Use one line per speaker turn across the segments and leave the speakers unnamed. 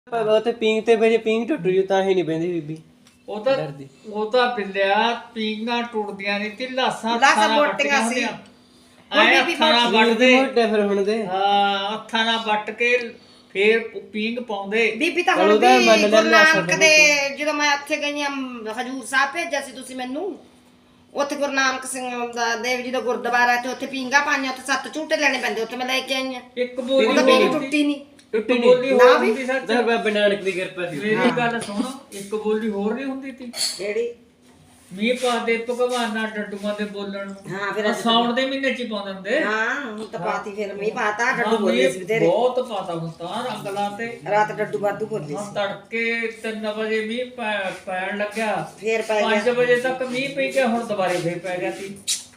ਪਰ ਉੱਥੇ ਪੀਂਗ ਤੇ ਜੇ ਪੀਂਗ ਟੁੱਟ ਜੂ ਤਾਂ ਹੀ ਨਹੀਂ ਪੈਂਦੀ ਬੀਬੀ ਡਰਦੀ।
ਉਹ ਤਾਂ ਬਿੱਲਿਆ ਪੀਂਘਾਂ ਟੁੱਟਦੀਆਂ ਨਹੀਂ ਤੇ ਲਾਸਾਂ
ਲਾਸਾਂ
ਨਾਲ
ਬੋਟੀਆਂ
ਵੱਟੀਆਂ
ਸੀ।
ਹੁੰਦੀਆਂ। ਐਂ ਹੱਥਾਂ ਨਾਲ ਵੱਟਦੇ
ਮੋਟੇ ਫਿਰ ਹੁਣ ਦੇ
ਹਾਂ ਹੱਥਾਂ ਨਾਲ ਵੱਟ ਕੇ ਫੇਰ ਪੀਂਘ ਪਾਉਂਦੇ।
ਬੀਬੀ ਤਾਂ
ਚਲੋ
ਹੁਣ
ਉਹਦਾ
ਵੀ
ਮੰਨ ਲੈਂਦੇ
ਗੁਰੂ ਨਾਨਕ
ਆਪਾਂ
ਦੇ ਜਦੋਂ ਮੈਂ ਉੱਥੇ ਗਈ ਆ ਹਜੂਰ ਸਾਹਿਬ ਭੇਜਿਆ ਸੀ ਤੁਸੀਂ ਮੈਨੂੰ, ਉੱਥੇ ਗੁਰੂ ਨਾਨਕ ਸਿੰਘ ਦਾ ਦੇਵ ਜੀ ਦਾ ਗੁਰਦੁਆਰਾ ਤੇ ਉੱਥੇ ਪੀਂਘਾਂ ਪਾਈਆਂ, ਉੱਥੇ 7 ਝੂਟੇ ਲੈਣੇ ਪੈਂਦੇ, ਉੱਥੇ ਮੈਂ ਲੈ ਕੇ ਆਈ ਆ।
ਇੱਕ ਬੋਲੀ
ਉਹ ਤਾਂ ਮੇਰੀ ਟੁੱਟੀ ਨਹੀਂ।
ਟੁੱਟੀ
ਇੱਕ ਬੋਲੀ
ਨਹੀਂ
ਹੋਰ
ਨਾ ਵੀ।
ਹੁੰਦੀ ਸੱਚ।
ਤਾਂ ਬਾਬਾ ਨਾਨਕ ਦੀ ਕਿਰਪਾ ਸੀ।
ਮੇਰੀ ਗੱਲ ਸੁਣ, ਇੱਕ ਬੋਲੀ ਹੋਰ ਨਹੀਂ ਹੁੰਦੀ ਤੀ
ਕਿਹੜੀ?
ਮੀਂਹ ਪਾ ਦੇ ਭਗਵਾਨਾਂ ਡੱਡੂਆਂ ਦੇ ਬੋਲਣ ਨੂੰ।
ਹਾਂ ਫਿਰ
ਆਹ ਸਾਉਣ ਦੇ ਮਹੀਨੇ ਚ ਹੀ ਪਾਉਂਦੇ ਹੁੰਦੇ।
ਹਾਂ ਹੁਣ ਤਾਂ ਪਾਤੀ ਫਿਰ ਮੀਂਹ ਪਾਤਾ, ਡੱਡੂ
ਹਾਂ,
ਬੋਲੇ ਸੀ
ਮੀਂਹ
ਤੇਰੇ
ਬਹੁਤ ਪਾਤਾ ਹੁਣ ਤਾਂ ਰੰਗ ਲਾਤੇ।
ਰਾਤ ਡੱਡੂ ਵਾਧੂ ਬੋਲੇ
ਹਾਂ
ਸੀ,
ਤੜਕੇ 3 ਵਜੇ ਮੀਂਹ ਪੈਣ ਲੱਗਿਆ,
ਫੇਰ ਪੈ
5
ਗਿਆ
ਵਜੇ ਤੱਕ ਮੀਂਹ ਪਈ ਗਿਆ, ਹੁਣ ਦੁਬਾਰੇ ਫੇਰ ਪੈ ਗਿਆ ਸੀ।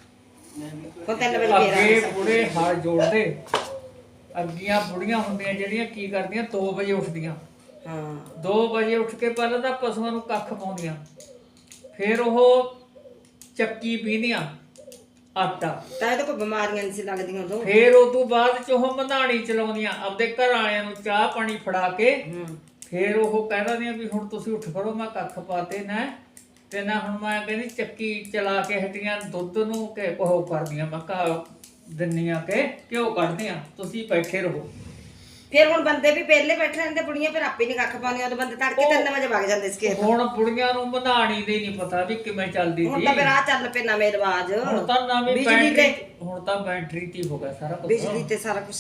ਹੁਣ 3 ਵਜੇ ਫੇਰ
ਅੱਗੇ
ਆ
ਬੁੜੇ ਹਲ ਜੋੜਦੇ, ਅੱਗੀਆਂ ਬੁੜੀਆਂ ਹੁੰਦੀਆਂ ਜਿਹੜੀਆਂ ਕੀ ਕਰਦੀਆਂ 2 ਵਜੇ ਉੱਠਦੀਆਂ।
ਹਾਂ
2 ਵਜੇ ਉੱਠ ਕੇ ਪਹਿਲਾਂ ਤਾਂ ਪਸ਼ੂਆਂ ਨੂੰ ਕੱਖ ਪਾਉਂਦੀਆਂ, ਫਿਰ ਉਹ ਚੱਕੀ ਪੀਂਦੀਆਂ ਆਟਾ,
ਤਾਂ ਇਹ ਤਾਂ ਕੋਈ ਬਿਮਾਰੀਆਂ ਨਹੀਂ ਸੀ ਲੱਗਦੀਆਂ ਉਦੋਂ।
ਫਿਰ ਉਸ ਤੋਂ ਬਾਅਦ ਚ ਉਹ ਮਧਾਣੀ ਚਲਾਉਂਦੀਆਂ, ਆਪਦੇ ਘਰ ਵਾਲਿਆਂ ਨੂੰ ਚਾਹ ਪਾਣੀ ਫੜਾ ਕੇ। ਫਿਰ ਉਹ ਕਹਿ ਦਿੰਦੀਆਂ ਵੀ ਹੁਣ ਤੁਸੀਂ ਉੱਠ ਖੜੋ, ਮੈਂ ਕੱਖ ਪਾਤੇ ਨਾ ਤੇ ਨਾ ਹੁਣ ਮੈਂ ਕਹਿੰਦੀ ਚੱਕੀ ਚਲਾ ਕੇ ਹਟੀਆਂ, ਦੁੱਧ ਨੂੰ ਕਿ ਉਹ ਕਰਦੀਆਂ, ਮੈਂ ਕਹਾ ਦਿੰਨੀਆਂ ਕਿ ਘਿਓ ਕੱਢਦੀਆਂ, ਤੁਸੀਂ ਬੈਠੇ ਰਹੋ।
ਫਿਰ ਹੁਣ ਬੰਦੇ ਵੀ ਪਹਿਲੇ ਬੈਠੇ ਰਹਿੰਦੇ, ਬੁੜੀਆਂ ਫਿਰ ਆਪੇ ਨਹੀਂ ਕੱਖ ਪਾਉਂਦੀਆਂ, ਉਦੋਂ ਬੰਦੇ ਤੜਕੇ 3 ਵਜੇ ਵਗ ਜਾਂਦੇ ਸੀ ਖੇਤ।
ਹੁਣ ਬੁੜੀਆਂ ਨੂੰ ਮਧਾਣੀ ਦੇ ਨਹੀਂ ਪਤਾ ਵੀ ਕਿਵੇਂ ਚੱਲਦੀ
ਹੁਣ
ਸੀ।
ਤਾਂ ਫਿਰ ਆ ਚੱਲ ਪਏ ਨਵੇਂ ਰਿਵਾਜ,
ਹੁਣ ਤਾਂ ਨਵੀਂ
ਬਿਜਲੀ
ਬੈਟਰੀ,
ਤੇ
ਹੁਣ ਤਾਂ ਬੈਟਰੀ ਤੇ ਹੋ ਗਿਆ ਸਾਰਾ ਕੁਝ।
ਬਿਜਲੀ ਤੇ ਸਾਰਾ ਕੁਝ।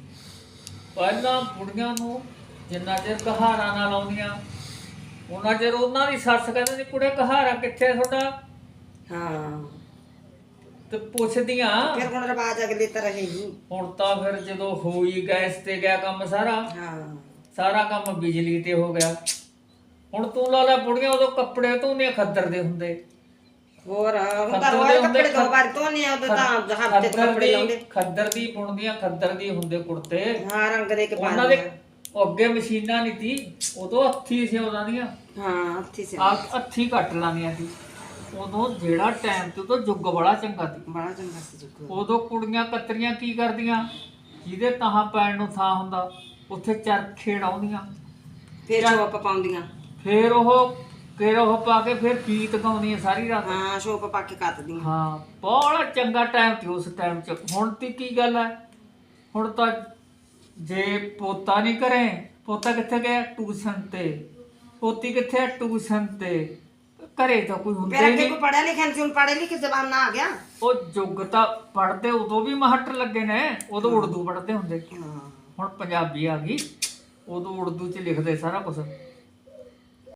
ਪਹਿਲਾਂ ਬੁੜੀਆਂ ਨੂੰ ਜਿੰਨਾ ਚਿਰ ਕਹਾਰਾ ਨਾ ਲਾਉਂਦੀਆਂ ਉਹਨਾਂ ਚਿਰ ਉਹਨਾਂ ਦੀ ਸੱਸ ਕਹਿੰਦੀ ਸੀ ਕੁੜੇ ਕਹਾਰਾ ਕਿੱਥੇ ਤੁਹਾਡਾ,
ਹਾਂ
ਤੇ ਪੁੱਛਦੀਆਂ।
ਫਿਰ ਹੁਣ ਰਿਵਾਜ ਅਗਲੇ ਤਰ੍ਹਾਂ ਹੀ ਨਹੀਂ।
ਹੁਣ ਤਾਂ ਫਿਰ ਜਦੋਂ ਹੋਈ ਗੈਸ ਤੇ ਗਿਆ ਕੰਮ ਸਾਰਾ,
ਹਾਂ
ਸਾਰਾ ਕੰਮ ਬਿਜਲੀ ਤੇ ਹੋ ਗਿਆ। ਹੁਣ ਤੂੰ ਲਾ ਲੈ ਬੁੜੀਆਂ ਉਦੋਂ ਕੱਪੜੇ ਧੋਂਦੀਆਂ ਖੱਦਰ ਦੇ ਹੁੰਦੇ,
ਹੋਰ ਹੁਣ ਤਾਂ
ਖੱਦਰ
ਰੋਜ਼
ਦੇ ਹੁੰਦੇ,
ਕੱਪੜੇ 2 ਵਾਰ ਧੋਣੇ ਆ, ਉਦੋਂ ਤਾਂ ਹਫ਼ਤੇ ਤੋਂ ਕੱਪੜੇ ਲਾਉਂਦੇ।
ਖੱਦਰ ਦੀ ਬੁਣਦੀਆਂ, ਖੱਦਰ ਦੀ ਹੁੰਦੇ ਕੁੜਤੇ।
ਹਾਂ ਰੰਗ ਦੇ ਕੇ
ਉਹਨਾਂ ਦੇ ਅੱਗੇ ਮਸ਼ੀਨਾਂ ਨਹੀਂ ਤੀ, ਉਦੋਂ ਹੱਥੀ ਸੀ ਉਹਨਾਂ ਦੀਆਂ,
ਹਾਂ ਹੱਥੀ ਸੇ
ਹੱਥੀ ਕੱਟ ਲਾਂਦੀਆਂ ਸੀ। ਉਦੋਂ ਜਿਹੜਾ ਟਾਈਮ ਤੇ ਉਦੋਂ ਯੁੱਗ ਬੜਾ ਚੰਗਾ ਸੀ।
ਬੜਾ ਚੰਗਾ ਸੀ ਜੁਗ।
ਉਦੋਂ ਕੁੜੀਆਂ ਕਤਰੀਆਂ ਕੀ ਕਰਦੀਆਂ, ਜਿਹਦੇ ਤਾਹਾਂ ਪੈਣ ਨੂੰ ਥਾਂ ਹੁੰਦਾ ਉੱਥੇ ਚਰਖੇ ਡਾਉਂਦੀਆਂ,
ਫਿਰ ਸ਼ੋਪ ਪਾਉਂਦੀਆਂ।
ਫਿਰ ਉਹ ਪਾ ਕੇ ਫਿਰ ਗੀਤ ਗਾਉਂਦੀਆਂ ਸਾਰੀ ਰਾਤ।
ਹਾਂ ਸ਼ੋਪ ਪਾ ਕੇ ਕੱਤਦੀਆਂ।
ਹਾਂ ਬੜਾ ਚੰਗਾ ਟਾਈਮ ਸੀ ਉਸ ਟਾਈਮ 'ਚ। ਹੁਣ ਤੇ ਕੀ ਗੱਲ ਹੈ, ਹੁਣ ਤਾਂ ਜੇ ਪੋਤਾ ਨਹੀਂ ਕਰੇ, ਪੋਤਾ ਕਿੱਥੇ ਗਿਆ ਟਿਊਸ਼ਨ ਤੇ, ਪੋਤੀ ਕਿੱਥੇ ਹੈ ਟਿਊਸ਼ਨ ਤੇ, ਘਰੇ ਤਾਂ ਕੋਈ ਹੁੰਦਾ
ਫਿਰ
ਹੀ
ਅੱਗੇ
ਨਹੀਂ।
ਕੋਈ ਪੜਿਆ ਲਿਖਿਆ ਨਹੀਂ ਸੀ, ਹੁਣ ਪੜ੍ਹੇ ਲਿਖੇ ਜ਼ਮਾਨਾ ਆ ਗਿਆ।
ਉਹ ਯੁੱਗ ਤਾਂ ਪੜ੍ਹਦੇ ਉਦੋਂ ਵੀ ਮਾਸਟਰ ਲੱਗੇ ਨੇ, ਉਦੋਂ ਉਰਦੂ ਪੜ੍ਹਦੇ ਹੁੰਦੇ,
ਹਾਂ
ਹੁਣ ਪੰਜਾਬੀ ਆ ਗਈ, ਉਦੋਂ ਉਰਦੂ 'ਚ ਲਿਖਦੇ ਸਾਰਾ ਕੁਝ।